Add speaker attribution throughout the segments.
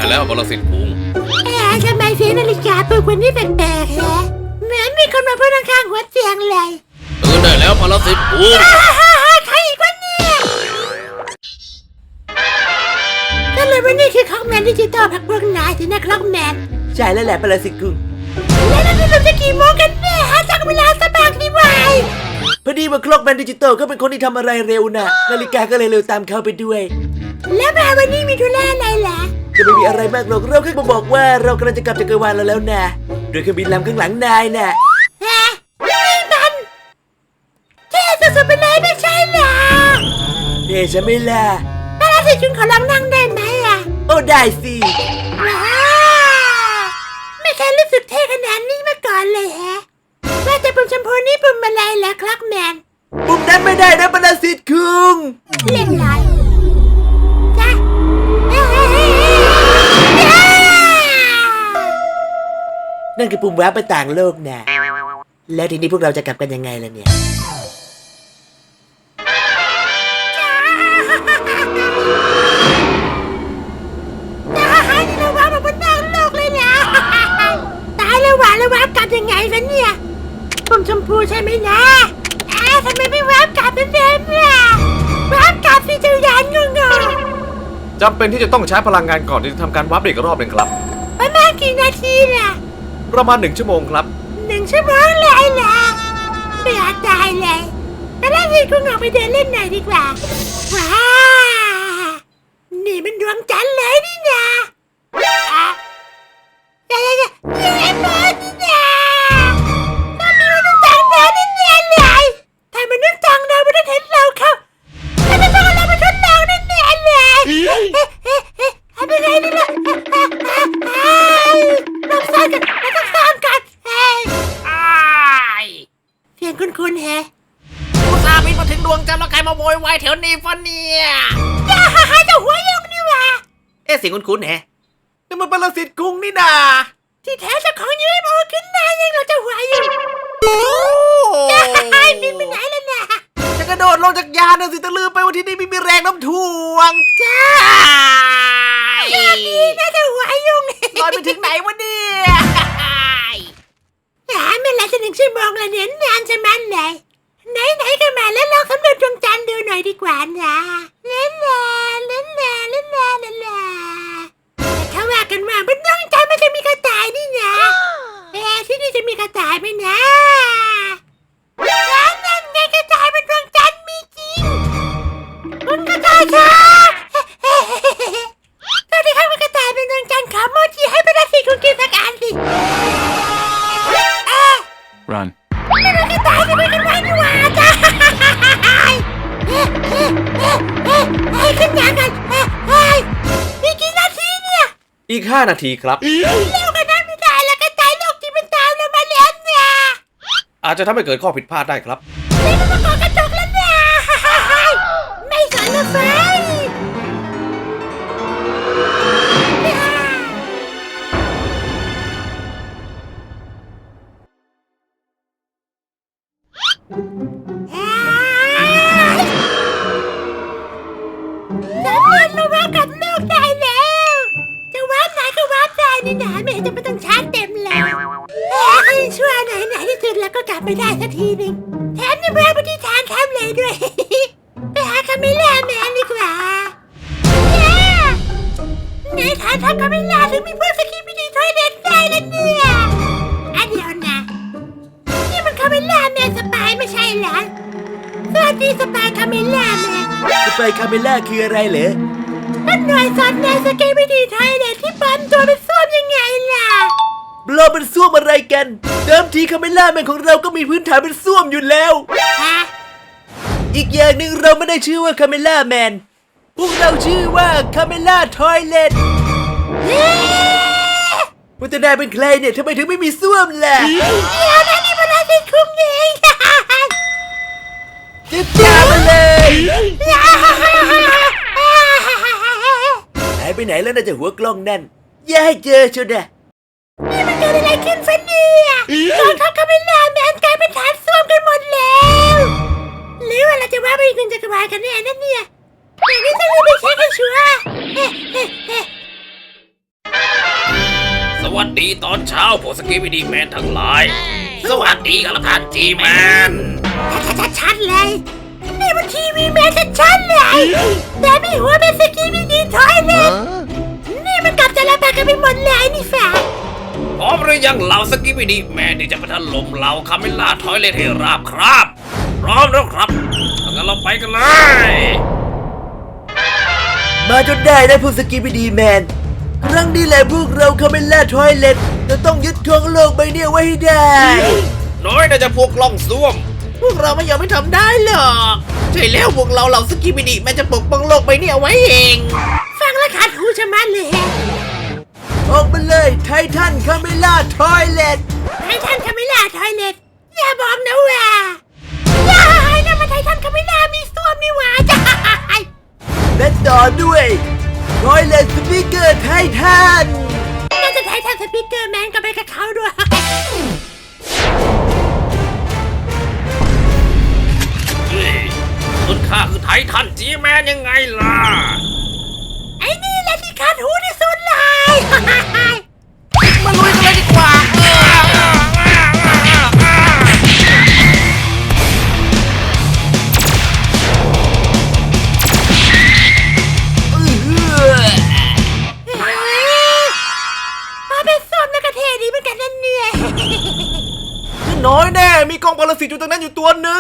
Speaker 1: แล้วปรสิตคุง
Speaker 2: ทำไมเสียงนาฬิกาปลุกวันนี้แปลกๆฮะเหมือนมีคนมาพูดข้างๆหัวเตียงเลย
Speaker 1: ตื่นได้แล้วปรสิตคุง
Speaker 2: ใครอีกวะเนี่ยก็เลยวันนี้คือคล็อกแมนดิจิตอลพักพวกนายสินะคล็อกแมน
Speaker 3: ใช่แล้วแหละปรสิตคุง
Speaker 2: แล้วนี่เราจะกี่โมงกันแน่หาจากเวลาสบายดีวาย
Speaker 3: พอดีว่าคล็อกแมนดิจิตอลก็เป็นคนที่ทำอะไรเร็วนะนาฬิกาก็เลยเร็วตามเขาไปด้วย
Speaker 2: แล้วมาวันนี้มีธุระอะไรล่ะ
Speaker 3: จะไม่มีอะไรมากหรอกเราแค่มาบอกว่าเรากำลังจะกลับจักรวาลเราแล้วนะโดยเครื่องบินลำข้างหลังนายน่ะ
Speaker 2: ฮะนี่มันเท่สุดๆไปเลยไม่ใช่เหรอ
Speaker 3: เท่ใช่ไหมล่ะ
Speaker 2: ปรสิตคุงขอลองนั่งได้ไหมอ่ะ
Speaker 3: โอ้ได้สิ
Speaker 2: ว้าวไม่เคยรู้สึกเท่ขนาดนี้มาก่อนเลยฮะว่าแต่ปุ่มชมพูนี่ปุ่มอะไรล่ะคล็อกแมน
Speaker 3: ปุ่มนั้นไม่ได้นะปรสิตคุง
Speaker 2: เล่นไรจ้ะ
Speaker 3: นั่นคือปุ่มวาร์ปไปต่างโลกนะแล้วทีนี้พวกเราจะกลับกันยังไงล่ะเนี่ย
Speaker 2: เราวาร์ปมาบนต่างโลกเลยนะตายแล้ววาร์ปกลับยังไงกันเนี่ยปุ่มชมพูใช่ไหมนะทำไมไม่วาร์ปกลับเดิมๆล่ะวาร์ปกลับสิเจ้ายานงง
Speaker 1: จำเป็นที่จะต้องใช้พลังงานก่อนที่จะทำการวาร์ปอีกรอบหนึ่งครับ
Speaker 2: ประมาณกี่นาทีล่ะ
Speaker 1: ประมาณ1 ชั่วโมงครับ
Speaker 2: 1 ชั่วโมงเลยล่ะไม่อยากตายเลยไปเล่นที่คุณออกไปเดินเล่นหน่อยดีกว่าว้านี่มันดวงจันทร์เลยนี่นะนี่มันนี่นะต้องมีมนุษย์ต่างดาวแน่ๆเลยถ้ามนุษย์ต่างดาวไม่ได้เห็นเราเขาถ้าไม่ต้องเราไปทดลองแน่ๆเลยทำยังไงดีล่ะเราสร้างกันเสียงคุ้นๆแฮะ
Speaker 4: อุตส่าห์บินมาถึงดวงจันทร์แล้วใครมาโวยวายแถวนี้ฟะเนี่ย
Speaker 2: เจ้าหัวยงนี่วะ
Speaker 4: เสียงคุ้นๆแฮะ
Speaker 3: นี่มันปรสิตคุงนี่นา
Speaker 2: ที่แท้เจ้าของยืนมาขึ้นหน้ายังเราจะหัวอยู่บินไปไหนแล้วนะ
Speaker 3: จะกระโดดลงจากยานนะสิจะลืมไปว่าที่นี่ไม่มีแรงน้ำถ่วง
Speaker 2: จ้าดีนะเจ้าหัวยง
Speaker 3: ลอยไปถึงไหนวะเนี่ย
Speaker 2: ไม่ละจะ1 ชั่วโมงแล้วเนี่ยนานจะมันเลยไหนก็มาแล้วลองสำรวจดวงจันทร์ดูหน่อยดีกว่านะเล่นเขาว่ากันว่าบนดวงจันทร์มันจะมีกระต่ายนี่นะที่นี่จะมีกระต่ายไหมนะนั่นไงกระต่ายบนดวงจันทร์มีจริงคุณกระต่ายค่ะตอนที่เขาเป็นกระต่ายบนดวงจันทร์ขอโมจิให้เป็นสิคุณกินสักอันสิ
Speaker 1: Run
Speaker 2: ไม่รู้จะตายจะไปกันไว้นี่หว่าจ้าขึ้นยานกันมีกี่นาทีเนี่ย
Speaker 1: อีก5 นาทีครับ
Speaker 2: เร็วกันนั้นไม่ได้แล้วก็ตายโลกที่มันตามเรามาแล้วเนี่ย
Speaker 1: อาจจะทำให้เกิดข้อผิดพลาดได้ครับ
Speaker 2: นี่มันมาก่อกระจกแล้วเนี่ยไม่สนใจสำเร็จแล้วว่ากับโลกได้แล้วจะวาร์ปไหนก็วาร์ปได้นี่นะไม่เห็นจะไม่ต้องชาร์จเต็มเลยชั่วไหนที่สุดแล้วก็กลับไปได้สักทีนึงแถมยังแวะไปที่ทางแคมป์เลยด้วยไปหาคาเมล่าแมนดีกว่าในฐานทัพคาเมล่าถึงมีพวกสกีบิดีทอยเด็ดได้แล้วเนี่ยเดี๋ยวนะนี่มันคาเมล่าแมนสปายไม่ใช่เหรอสวัสดีสปายคาเมล่าแมน
Speaker 3: สปายคาเมล่าคืออะไรเหรอ
Speaker 2: เป็นหน่วยสอดแนมสกีบิดีทอยเด็ดที่ปลอมตัวเป็นส้วมยังไงล่ะ
Speaker 3: เราเป็นส้วมอะไรกันเดิมทีคาเมล่าแมนของเราก็มีพื้นฐานเป็นส้วมอยู่แล้วอีกอย่างหนึ่งเราไม่ได้ชื่อว่าคาเมล่าแมนพวกเราชื่อว่าคาเมล่าทอยเลทพุทธนายเป็นใครเนี่ยทำไมถึงไม่มีส้วมล่ะ
Speaker 2: เดี๋ยวนะนี่มันอะไรคุ้มเอง
Speaker 3: จะจับมาเลยหายไปไหนแล้วน่าจะหัวกล้องนั่นอย่าให้เจอชนนะ
Speaker 2: นี่มันเกิดอะไรขึ้นฟะเนี่ยกองทัพคาเมล่าแมนกลายเป็นฐานส้วมกันหมดแล้วหรือว่าเราจะว่าไปอีก1 จักรวาลกันแน่นั่นเนี่ยอย่างนี้ต้องไปเช็คให้ชัวร์
Speaker 4: วัสดีตอนเช้าพวกสกีบิดีแมนทั้งหลาย สวัสดีครับท่านจีแมน
Speaker 2: ชัดๆเลย นี่มันทีวีแมนชัดๆเลยแต่มีหัวเป็นสกีมินิทอยเลยนี่มันกลับจะระบาดกันไปหมดเลยนี่ฝ่า
Speaker 4: พร้อมหรือยังเหล่าสกีบิดีแมนที่จะไปถล่มเหล่าคาเมล่าทอยเลทให้ราบครับ พร้อมแล้วครับงั้นเราไปกันเลย
Speaker 3: มาจนได้นะพวกสกิปปี้ดีแมน ครั้งนี้แหละพวกเราคาเมล่าทอยเล็ตจะต้องยึดครองโลกใบนี้ไว้ให้ได้
Speaker 4: น้อยน่าจะพวกล่องซ่วม พวกเราไม่ยอมให้ทำได้หรอกใช่แล้วพวกเราเหล่าสกีบิดีแมนจะปกป้องโลกใบนี้เอาไว้เอง
Speaker 2: ฟังแล้วขาดหูชะมัดเลย
Speaker 3: ออกมาเลยไททันคาเมล่าทอยเล็ต
Speaker 2: ไททันคาเมล่าทอยเล็ตอย่าบอกนะว่าอย่าให้นะมันไททันคาเมล่ามีส้วมนี่หว่าจ้า
Speaker 3: และต่อด้วยทอยเล็ตสปีกเกอร์ไททัน
Speaker 2: น่าจะไททันสปีกเกอร์แมนก็ไปกับเขาด้วย
Speaker 4: เฮ้ยคุณข้าคือไททันจีแมนยังไงล่ะ
Speaker 2: ไอ้นี่แหละที่ขาดหูที่สุดเลย
Speaker 4: มาลุยกันเลยดีกว่า
Speaker 2: มาเป็นส้วมแล้วก็เท่ดีเหมือนกันนั่นเนี่ย
Speaker 1: น้อยแน่มีกองปรสิตอยู่ตรงนั้นอยู่ตัวหนึ่ง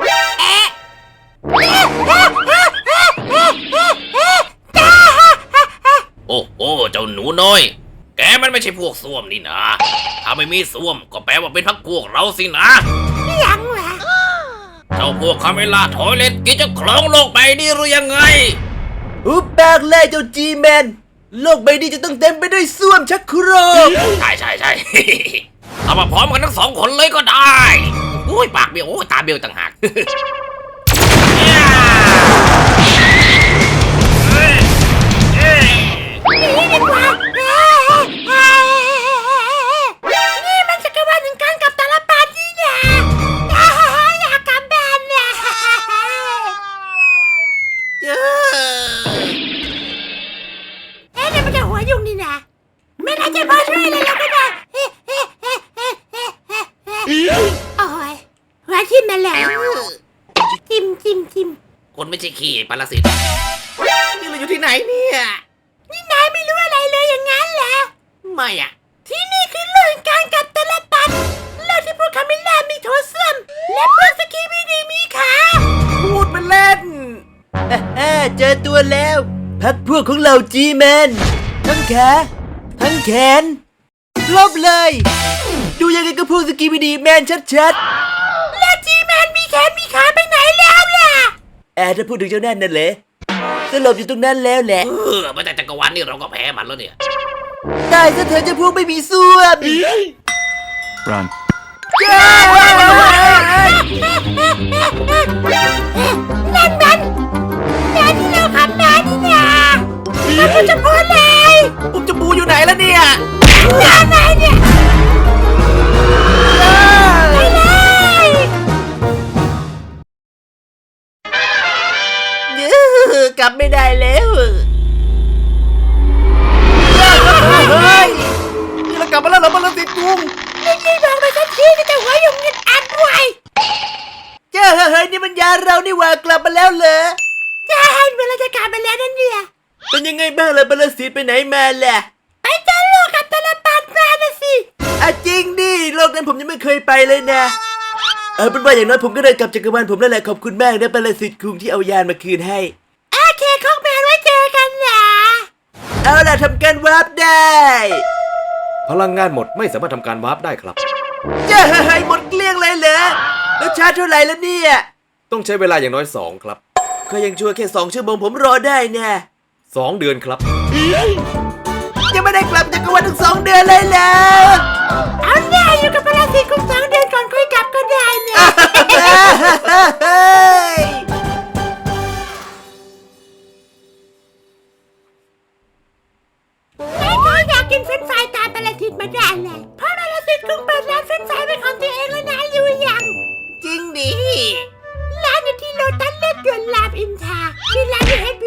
Speaker 4: โอ้โหเจ้าหนูน้อย แกมันไม่ใช่พวกส้วมนี่นะ ถ้าไม่มีส้วมก็แปลว่าเป็นพักพวกเราสินะ
Speaker 2: ยังวะ
Speaker 4: เจ้าพวกคาเมล่าทอยเล็ตกินจะครองโลกใบนี้หรือยังไง
Speaker 3: อุบปากเลยเจ้าจีแมน โลกใบนี้จะต้องเต็มไปด้วยส้วมชักโครก
Speaker 4: ใช่ใช่ใช่ เอามาพร้อมกันทั้งสองคนเลยก็ได้โอ้ยปากเบี้ยวโอ้ยตาเบี้ยวต่างหากเฮ้ยเฮ้ย
Speaker 2: หนีดีกว่านี่มันจักรวาลถึงการกลับตาลปัดนี่นะอยากกลับบ้านนะเนี่ยมันจะหัวยุ่งนี่นะไม่น่าจะพอช่วยอะไรเราก็ได้โอ้ยหัวทิ่มมาแล้วจิ้ม
Speaker 4: คนไม่ใช่ขี้ปรสิตนี่เราอยู่ที่ไหนเนี่ย
Speaker 2: นี่นายไม่รู้อะไรเลยอย่างนั้นเหรอ
Speaker 4: ไม่อะ
Speaker 2: ที่นี่คือโลกการกลับตลปัดโลกที่พวกคาเมล่ามีโถส้วมและพวกสกีบีดีมีขา
Speaker 3: พูดเป็นเล่นเจอตัวแล้วพักพวกของเราจีแมน ทั้งขาทั้งแขนลบเลย ดูยังไงก็พวกสกีบีดีแมนชัด
Speaker 2: แล้วจีแมนมีแขนมีขาไปไหนแล้วล่ะ
Speaker 3: ๆถ้าพูดถึงเจ้านั่นนั่นเลยสลบอยู่ตรงนั้นแล้วแหละ
Speaker 4: มาจากจักรวาลนี่เราก็แพ้มันแล้วเนี่ย
Speaker 3: ตายซะเถอะเจ้าพวกไม่มีส้วม
Speaker 5: Run.
Speaker 2: นั่นมันแม่ที่เราขับมานี่นะมันก็จะพูดเลย
Speaker 4: ผมจะบูอยู่ไหนแล้วเนี่ย
Speaker 2: ไหนเนี่ยไปเลย
Speaker 3: กลับไม่ได้แล้วเฮ้ย
Speaker 1: นี่เรากลับมาแล้วเหรอปรสิตกุ้ง
Speaker 2: นี่บอกมาสักทีก็จะหัวยุ่งเงินอัดไว้
Speaker 3: เจ้าเฮ้ยนี่มันยาเรานี่หว่ากลับมาแล้วเหรอ
Speaker 2: ใช่เวลาจะกลับมาแล้วนั่นเนี่ย
Speaker 3: เป็นยังไงบ้างล่ะปรสิตไปไหนมาล่ะ
Speaker 2: ไปเจอโลกกับตลปัดมานะสิ
Speaker 3: จริงดิโลกนั้นผมยังไม่เคยไปเลยนะเป็นว่าอย่างน้อยผมก็ได้กลับจักรวาลผมแล้วแหละขอบคุณมากนะปรสิตคุงที่เอายานมาคืนให้
Speaker 2: โอเคคอกแมนไว้เจอกันนะ
Speaker 3: เอาล่ะทำการวาร์ปได้
Speaker 1: พลังงานหมดไม่สามารถทำการวาร์ปได้ครับ
Speaker 3: เจ้าเฮ้ยหมดเกลี้ยงเลยเหรอแล้วชาร์จเท่าไหร่แล้วเนี่ย
Speaker 1: ต้องใช้เวลาอย่างน้อย2ครับ
Speaker 3: ก็ยังชั่วแค่2 ชั่วโมงผมรอได้นะ
Speaker 1: 2 เดือนครับ
Speaker 3: ยังไม่ได้กลับจักรวาลถึง2 เดือนเลยเหรอ
Speaker 2: เอาแน่อยู่กับพลังสิคุณ2 เดือนก่อนค่อยกลับก็ได้นะ ไม่เคยอยากกินเฟรนช์ฟรายตามปรสิตมาได้เลยเพราะปรสิตคุณเปิดร้านเฟรนช์ฟรายเป็นของตัวเองแล้วนะรู้ยัง
Speaker 4: จริงดิ
Speaker 2: ร้านอยู่ที่โลตัสเลือดด่วนรามอินทราคือร้านที่เฮด